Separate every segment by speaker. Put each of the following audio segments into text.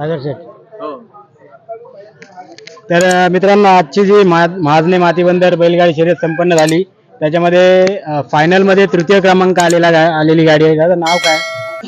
Speaker 1: सागर शेठ. तर मित्रांनो, आजची जी महाजने मातीबंदर बैलगाडी शर्यत संपन्न झाली, त्याच्यामध्ये फायनल मध्ये तृतीय क्रमांक आलेली गाडी आहे. त्याचं नाव काय?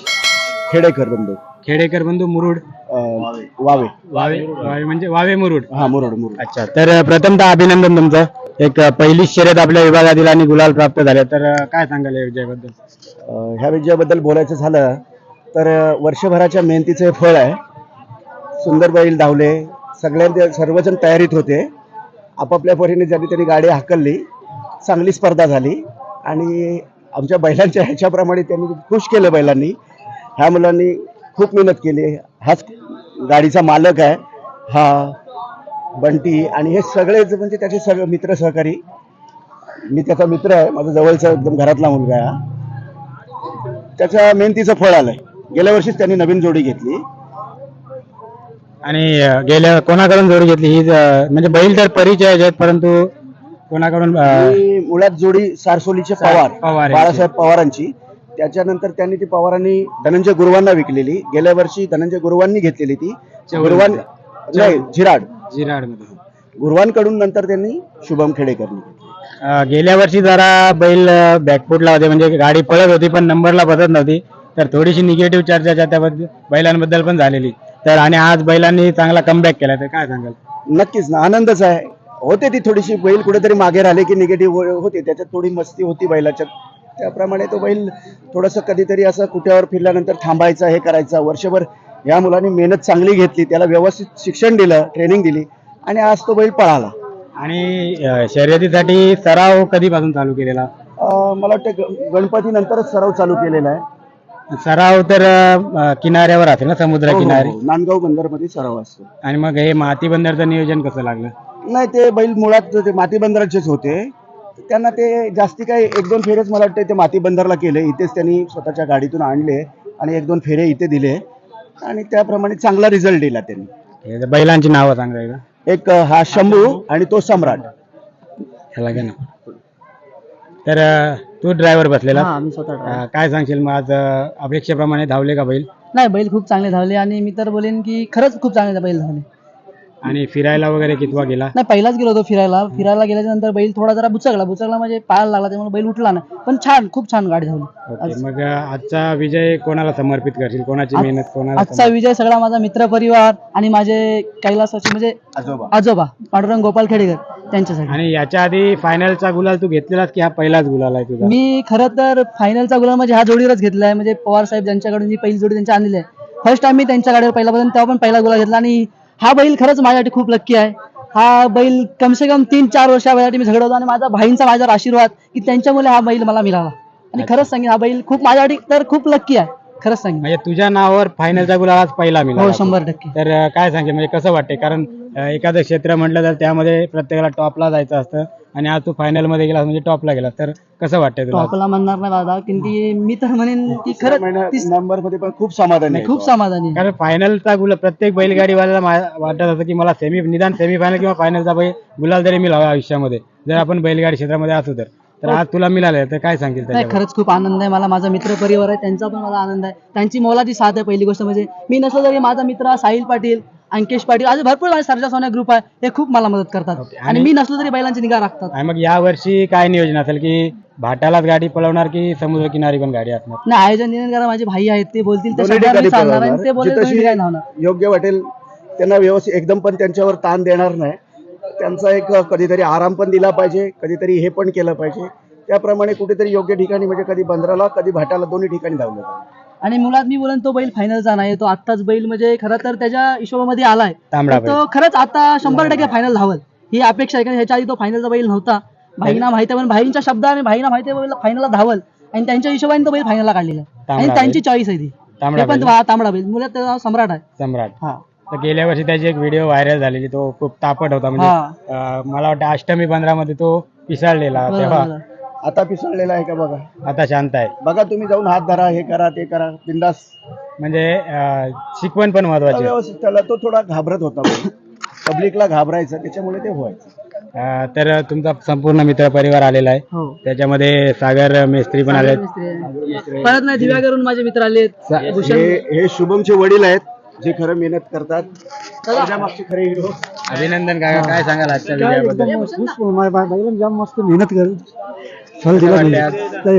Speaker 1: खेडेकर बंधू मुरुड.
Speaker 2: वावे
Speaker 1: वावे म्हणजे वावे मुरुड.
Speaker 2: हा, मुरुड.
Speaker 1: अच्छा, तर प्रथमतः अभिनंदन तुमचं. एक पहिली शर्यत आपल्या विभागातील आणि गुलाल प्राप्त झाले, तर काय सांगाल या विजयाबद्दल?
Speaker 2: ह्या विजयाबद्दल बोलायचं झालं तर वर्षभराच्या मेहनतीचे फळ आहे. सुंदर बैल धावले, सर्वजण तयारीत होते. आपापल्या परीने ज्यांनी त्यांनी गाडी हाकलली, चांगली स्पर्धा झाली आणि आमच्या बैलांच्या ह्याच्याप्रमाणे त्यांनी खुश केलं. बैलांनी, ह्या मुलांनी खूप मेहनत केली. हाच गाडीचा मालक आहे हा बंटी, आणि हे सगळेच म्हणजे त्याचे सगळे मित्र सहकारी. मी त्याचा मित्र आहे, माझा जवळचा एकदम घरातला मुलगा आहे. त्याच्या मेहनतीचं फळ आलंय. गेल्या वर्षीच त्यांनी नवीन जोडी घेतली.
Speaker 1: आणि गेल्या कोणाकडून जोडी घेतली ही म्हणजे बैल तर परिचय आहेत, परंतु कोणाकडून?
Speaker 2: मुळात जोडी सारसोलीचे पवार बाळासाहेब पवारांची. त्याच्यानंतर त्यांनी ती पवारांनी धनंजय गुरुवांना विकलेली. गेल्या वर्षी धनंजय गुरुवांनी घेतलेली ती. गुरुवान नाही, झिराड
Speaker 1: मध्ये
Speaker 2: गुरुवांकडून नंतर त्यांनी शुभम खेडेकरनी घेतली.
Speaker 1: गेल्या वर्षी जरा बैल बॅकफुटला होते, म्हणजे गाडी पळत होती पण नंबरला बसत नव्हती, तर थोडीशी निगेटिव्ह चर्चा त्या बैलांबद्दल पण झालेली. तर आणि आज बैलांनी चांगला कमबॅक केला, तर काय सांगाल?
Speaker 2: नक्कीच ना, आनंदच आहे. होते ती थोडीशी बैल कुठेतरी मागे राहिले की निगेटिव्ह होते, त्याच्यात थोडी मस्ती होती बैलाच्या. त्याप्रमाणे तो बैल थोडंसं कधीतरी असं कुठ्यावर फिरल्यानंतर थांबायचा, हे करायचा. वर्षभर या मुलांनी मेहनत चांगली घेतली, त्याला व्यवस्थित शिक्षण दिलं, ट्रेनिंग दिली, आणि आज तो बैल पळाला.
Speaker 1: आणि शर्यतीसाठी सराव कधीपासून चालू केलेला?
Speaker 2: मला वाटतं गणपती नंतरच सराव चालू केलेला आहे.
Speaker 1: सराव तर किनाऱ्यावर असेल ना, समुद्र किनारे?
Speaker 2: नांदगाव बंदरमध्ये सराव असतो.
Speaker 1: आणि मग हे माती बंदरचं नियोजन कसं लागलं?
Speaker 2: नाही, ते बैल मुळात ते माती बंदराचेच होते. त्यांना ते जास्ती काही 1-2 फेरेच मला वाटतं ते माती बंदरला केले. इथेच त्यांनी स्वतःच्या गाडीतून आणले आणि 1-2 फेरे इथे दिले, आणि त्याप्रमाणे चांगला रिझल्ट दिला त्यांनी.
Speaker 1: बैलांची नावं सांगा एकदा.
Speaker 2: एक हा शंभू आणि तो सम्राट.
Speaker 1: ह्याला घे ना. तर तू ड्रायव्हर बसलेला?
Speaker 3: मी स्वतः.
Speaker 1: काय सांगशील मग, आज अपेक्षेप्रमाणे धावले का बैल?
Speaker 3: नाही, बैल खूप चांगले धावले, आणि मी तर बोलेन की खरंच खूप चांगले बैल धावले.
Speaker 1: आणि फिरायला वगैरे कितवा गेला?
Speaker 3: नाही, पहिलाच गेलो होतो फिरायला गेल्याच्या नंतर बैल थोडा जरा बुचकला म्हणजे पायाला लागला, त्यामुळे बैल उठला नाही, पण छान, खूप छान गाडी धावली.
Speaker 1: मग आजचा विजय कोणाला समर्पित करशील? कोणाची मेहनत कोणाला?
Speaker 3: आजचा विजय सगळा माझा मित्र परिवार आणि माझे कैलासाचे म्हणजे आजोबा पांडुरंग गोपाल खेडेकर त्यांच्यासाठी.
Speaker 1: आणि याच्या आधी फायनलचा गुलाल तू घेतलेलास की हा पहिलाच गुलाल आहे तुझा?
Speaker 3: मी खरं तर फायनलचा गुलाल म्हणजे हा जोडीवरच घेतलाय. म्हणजे पवार साहेब ज्यांच्याकडून जी पहिली जोडी त्यांची आणलेली आहे, फर्स्ट टाइम मी त्यांच्या गाडीवर पहिल्यापासून तेव्हा पण पहिला गुलाल घेतला. आणि हा बैल खरंच माझ्यासाठी खूप लक्की आहे. हा बैल कमसे कम 3-4 वर्षासाठी मी झगडत होतो, आणि माझा भाईंचा माझ्यावर आशीर्वाद की त्यांच्यामुळे हा बैल मला मिळाला. आणि खरंच सांगेन, हा बैल खूप माझ्यासाठी तर खूप लक्की आहे, खरंच सांगेन.
Speaker 1: म्हणजे तुझ्या नावावर फायनलचा गुलाल आज पहिला मिळाला?
Speaker 3: हो, 100%.
Speaker 1: तर काय सांगेल, म्हणजे कसं वाटते? कारण एखादं क्षेत्र म्हटलं तर त्यामध्ये प्रत्येकाला टॉपला जायचं असतं, आणि आज तू फायनल मध्ये गेला म्हणजे टॉपला गेला, तर कसं वाटतंय तुला?
Speaker 3: टॉपला म्हणणार नाही दादा, की मी तर म्हणेन की खरंच
Speaker 2: नंबर मध्ये पण खूप समाधानी आहे.
Speaker 3: खूप समाधानी आहे.
Speaker 1: कारण फायनलचा गुलाल प्रत्येक बैलगाडीवाल्याला वाटत असतं की मला निदान सेमीफायनल किंवा फायनलचा गुलाल तरी मिळावा आयुष्यामध्ये, जर आपण बैलगाडी क्षेत्रामध्ये असू तर आज तुला मिळालं, तर काय सांगेल?
Speaker 3: नाही, खरंच खूप आनंद आहे मला. माझा मित्र परिवार आहे, त्यांचा पण मला आनंद आहे. त्यांची मोलाची साथ आहे. पहिली गोष्ट म्हणजे मी नसलो तरी माझा मित्र साहिल पाटील, अंकेश पाटील, आज भरपूर माझे सरजा सोन्या ग्रुप आहे, हे खूप मला मदत करतात. आणि मी नसलो तरी बैलांची निगा राखतात.
Speaker 1: आणि मग या वर्षी काय नियोजन असेल, की भाटालाच गाडी पळवणार की समुद्र किनारी पण गाडी असणार?
Speaker 3: नाही, आयोजन नियोजन करा, माझे भाई आहेत, ते बोलतील ते
Speaker 2: दोन्ही
Speaker 3: शब्दाने
Speaker 2: ठिकाणी
Speaker 3: चालणार, आणि
Speaker 2: पळवणार.
Speaker 3: ते बोलतील
Speaker 2: जिथं
Speaker 3: दोन्ही ठिकाणी धावणार.
Speaker 2: योग्य वाटेल त्यांना व्यवस्थित एकदम पण त्यांच्यावर ताण देणार नाही. त्यांचा एक कधीतरी आराम पण दिला पाहिजे, कधीतरी हे पण केलं पाहिजे. त्याप्रमाणे कुठेतरी योग्य ठिकाणी, म्हणजे कधी बंदराला कधी भाटाला, दोन्ही ठिकाणी धावलं.
Speaker 3: आणि मुळात मी बोलन तो बैल फायनलचा नाही, तो आत्ताच बैल म्हणजे खरं तर त्याच्या हिशोबामध्ये आलाय, तो खरंच आता 100% फायनल धावल ही अपेक्षा आहे. कारण ह्याच्या आधी तो फायनलचा बैल नव्हता. भाईंना माहिती आहे, पण भाईंच्या शब्दाने भाईंना माहिती आहे फायनलला धावल, आणि त्यांच्या हिशोबाने तो बैल फायनलला काढलेला आहे, आणि त्यांची चॉईस आहे ती. पण तांबडा बैल, मुळात त्याचं नाव सम्राट आहे.
Speaker 1: सम्राट.
Speaker 3: हा.
Speaker 1: तर गेल्या वर्षी त्याची एक व्हिडिओ व्हायरल झालेली, तो खूप तापट होता, म्हणजे मला वाटतं अष्टमी 15 मध्ये तो पिसाळलेला. तेव्हा
Speaker 2: आता पिसळलेला आहे का बघा?
Speaker 1: आता शांत आहे.
Speaker 2: बघा, तुम्ही जाऊन हात धरा, हे करा, ते करा, बिंदास.
Speaker 1: म्हणजे शिकवण पण महत्वाची.
Speaker 2: व्यवस्थित त्याला तो थोडा घाबरत होता, पब्लिकला घाबरायचं, त्याच्यामुळे ते व्हायचं.
Speaker 1: तर तुमचा संपूर्ण मित्र परिवार आलेला आहे, त्याच्यामध्ये सागर मेस्त्री पण आले,
Speaker 3: परत नाही दिव्याकरून माझे मित्र आले.
Speaker 2: हे शुभमचे वडील आहेत, जे खरं मेहनत करतात त्याच्या मागचे खरे हिरो.
Speaker 1: अभिनंदन काका, काय सांगाल आजच्या विजयाबद्दल?
Speaker 2: जाम मस्त मेहनत कर फल
Speaker 1: कसं वाटतंय आज?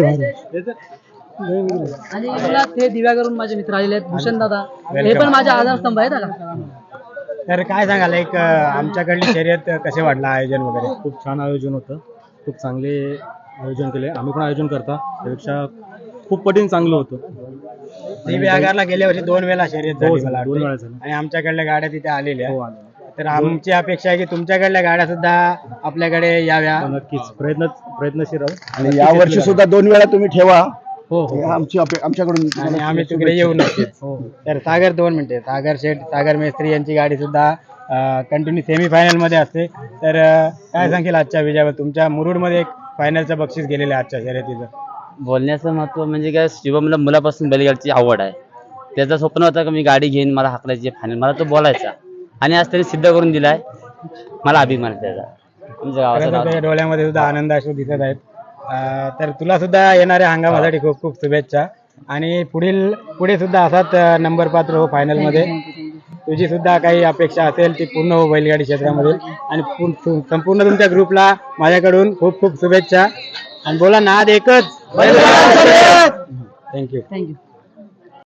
Speaker 3: आणि मला ते दिव्यावरून माझे मित्र आलेले आहेत, भूषण दादा, हे पण माझे आधारस्तंभ आहेत आता.
Speaker 1: तर काय सांगाल एक आमच्याकडली शर्यत कसे वाटलं आयोजन वगैरे?
Speaker 4: खूप छान आयोजन होतं, खूप चांगले आयोजन केले. आम्ही पण आयोजन करता त्यापेक्षा खूप पटीने चांगलं होतं.
Speaker 1: दिव्यागारला गेल्या वर्षी 2 वेळा शर्यत झाली मला
Speaker 4: 2 वेळा
Speaker 1: वाटतं.
Speaker 4: झालं.
Speaker 1: आणि आमच्याकडल्या गाड्या तिथे आलेल्या
Speaker 4: हो
Speaker 1: आहेत.
Speaker 4: आलं.
Speaker 1: तर आमची अपेक्षा आहे की तुमच्याकडल्या गाड्या सुद्धा आपल्याकडे याव्या.
Speaker 4: नक्कीच प्रयत्नशील राहू.
Speaker 2: आणि या वर्षी सुद्धा 2 वेळा तुम्ही ठेवा.
Speaker 1: हो हो.
Speaker 2: आमच्याकडून
Speaker 1: आणि आम्ही तिकडे येऊ नक्कीच. तर सागर 2 मिनिटे, सागर शेठ, सागर मेस्त्री यांची गाडी सुद्धा कंटिन्यू सेमीफायनल मध्ये असते. तर काय सांगेल आजच्या विजयावर? तुमच्या मुरुडमध्ये एक फायनलचं बक्षीस गेलेलं आहे आजच्या शर्यतीचं.
Speaker 5: बोलण्याचं महत्त्व म्हणजे काय, शिवमला मुलापासून बैलगाडीची आवड आहे. त्याचं स्वप्न होतं की मी गाडी घेईन, मला हाकलायची फायनल, मला तो बोलायचा आणि आज त्यांनी सिद्ध करून दिलाय. मला अभिमान आहे त्याचा. आमच्या गावाचं
Speaker 1: खरं तर
Speaker 5: नाव
Speaker 1: तुझ्या डोळ्यामध्ये सुद्धा आनंद अश्रू दिसत आहेत. तर तुला सुद्धा येणाऱ्या हंगामासाठी खूप खूप शुभेच्छा. आणि पुढे सुद्धा असाच नंबर पात्र हो फायनल मध्ये. तुझी सुद्धा काही अपेक्षा असेल ती पूर्ण हो बैलगाडी क्षेत्रामध्ये. आणि संपूर्ण तुमच्या ग्रुपला माझ्याकडून खूप खूप शुभेच्छा. आणि बोला नाद एकच. थँक्यू.
Speaker 3: थँक्यू.